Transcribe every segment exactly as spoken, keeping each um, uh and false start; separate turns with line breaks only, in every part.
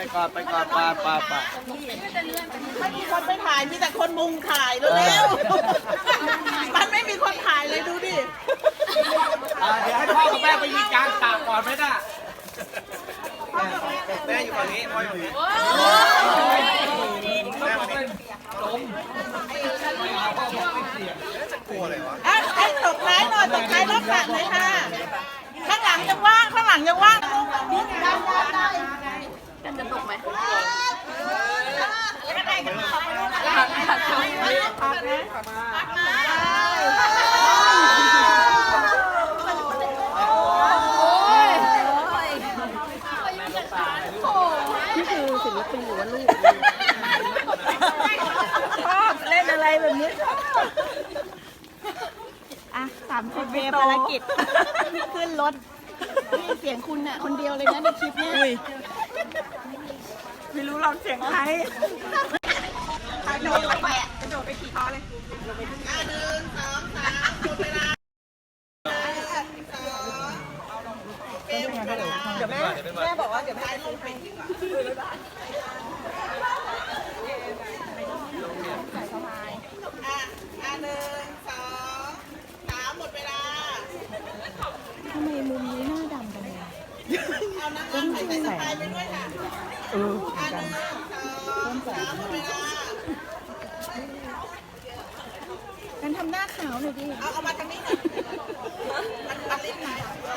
ไปก่อนไปก่อนปาปาปา
ไม่มีคนไปถ่ายมีแต่คนมุงถ่ายเร็วๆมันไม่มีคนถ่ายเลยดูดิ
อ่าเดี๋ยวให้พ่อกับแม่ไปยิงกลางสระก่อนไหมน่ะแม่อยู่ฝั่งนี้พ่ออยู่ฝั่งนี้แม่มาดิล้มไม่เอาพ่อบอกไม่เสี่ยงจะกลัวอะไรวะ
อ่ะให้ตกท้ายหน่อยตกท้ายรถสระหน่อยค่ะข้างหลังยังว่างข้างหลังยังว่างนี่ได้ได้ได้
จะตกไหม
ก็ได้กันขอบคุณนะ
ผักผักผัก
พักนะนี่คือศิลปินหรือว่าลูกชอบเล่นอะไรแบบนี้อ่ะสามสิบเวภารกิจขึ้นรถนี่เสียงคุณน่ะคนเดียวเลยนะในคลิปเนี่ยไม่รู้ลองเสียงใครกระโดดไปอ่ะกระโดดไปขี่คอเลยอ่ะหนึ่งสองสามหมดเวลาเดี๋ยวแม่แม่บอกว่าเดี๋ยวแม่ลงไปดีกว่าอ่ะอ่ะหนึ่งสองสามหมดเวลาทำไมมุมนี้หน้าดำจังเลยเอาน้ำมันใส่ใส่สไปไปด้วยค่ะเอออ่ะหนึ่งสองสามหมดเวลากันทำหน้าขาวหน่อยดิเอาเอามาทางนี้หน่อยมันมันเล็กไหน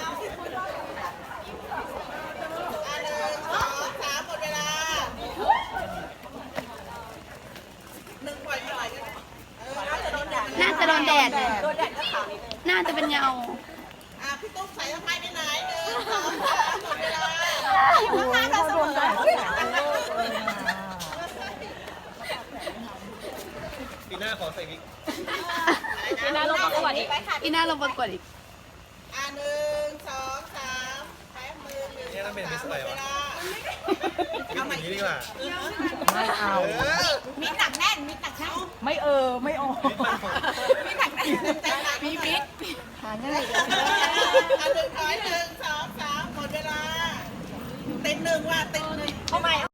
น่าจะโดนแดด
โดนแดดก็ขาวนิดนึง
น่าจะเป็นเงา
อ่ะพี่ตุ๊กใส่ทำไมไปไหนหนึ่งสองสามหมดเวลาอยู่ข้างๆกันเสมอ
ปีหน้าขอใส่วิก
อีน่าลงประกวดอีกอีน่าลงประกวดอีก
อ่ะหนึ่งสองสามแป๊บมือหนึ่ง
นี่ต้องเป็นมิสอะไรวะ
เอาใหม่
อย่างนี้ดีกว่า
ไม่เอา
เออ
มีหนักแน่นมีหนักแน่น
ไม่เออ ไม่ออก
มีหนักแน่นเต็มๆมีพิษหาง่ายอ่ะหนึ่งร้อยหนึ่งสองสามหมดเวลาเต็มหนึ่งว่ะเต็มหนึ่งเข้าใหม่